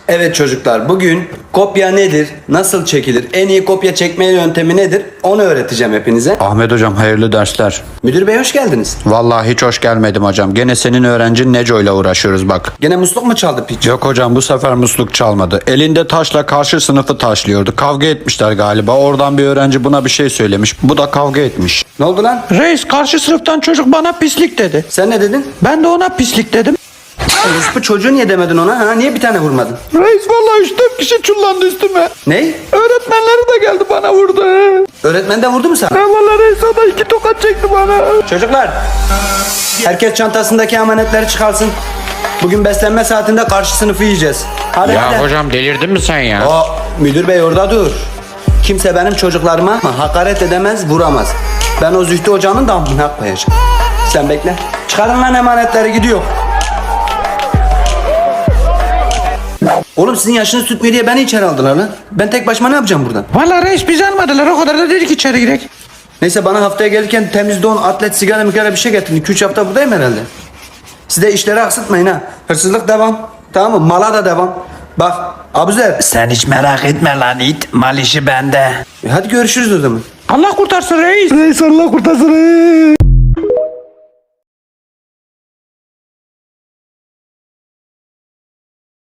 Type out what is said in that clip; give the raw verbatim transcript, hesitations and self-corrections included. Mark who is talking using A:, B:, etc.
A: Evet çocuklar, bugün kopya nedir, nasıl çekilir, en iyi kopya çekme yöntemi nedir onu öğreteceğim hepinize.
B: Ahmet hocam hayırlı dersler.
A: Müdür bey hoş geldiniz.
B: Vallahi hiç hoş gelmedim hocam. Gene senin öğrencin Neco ile uğraşıyoruz bak.
A: Gene musluk mu çaldı piç?
B: Yok hocam bu sefer musluk çalmadı. Elinde taşla karşı sınıfı taşlıyordu. Kavga etmişler galiba. Oradan bir öğrenci buna bir şey söylemiş. Bu da kavga etmiş.
A: Ne oldu lan?
C: Reis karşı sınıftan çocuk bana pislik dedi.
A: Sen ne dedin?
C: Ben de ona pislik dedim.
A: Bu çocuğu niye demedin ona? Ha? Niye bir tane vurmadın?
C: Reis vallahi üç dört kişi çullandı üstüme.
A: Ney?
C: Öğretmenleri de geldi bana vurdu.
A: Öğretmen de vurdu mu sana?
C: Ben vallahi reis o da iki tokat çekti bana.
A: Çocuklar, herkes çantasındaki amanetleri çıkarsın. Bugün beslenme saatinde karşı sınıfı yiyeceğiz. Hadi hadi.
D: Ya hocam delirdin mi sen ya?
A: O müdür bey orada dur. Kimse benim çocuklarıma hakaret edemez, vuramaz. Ben o Zühtü hocanın damına koyacağım. Sen bekle. Çıkarın lan emanetleri, gidiyor. Oğlum sizin yaşınız tutmuyor diye beni içeri aldılar lan. Ben tek başıma ne yapacağım buradan?
C: Vallahi reis bizi almadılar o kadar da dedik içeri girek.
A: Neyse bana haftaya gelirken temiz don, atlet, sigara mikara bir şey getirin. iki üç hafta buradayım herhalde. Siz de işleri aksatmayın ha. Hırsızlık devam. Tamam mı? Mala da devam. Bak Abuzer.
C: Sen hiç merak etme lan it. Mal işi bende.
A: E hadi görüşürüz o zaman.
C: Allah kurtarsın reis. Reis Allah kurtarsın reis.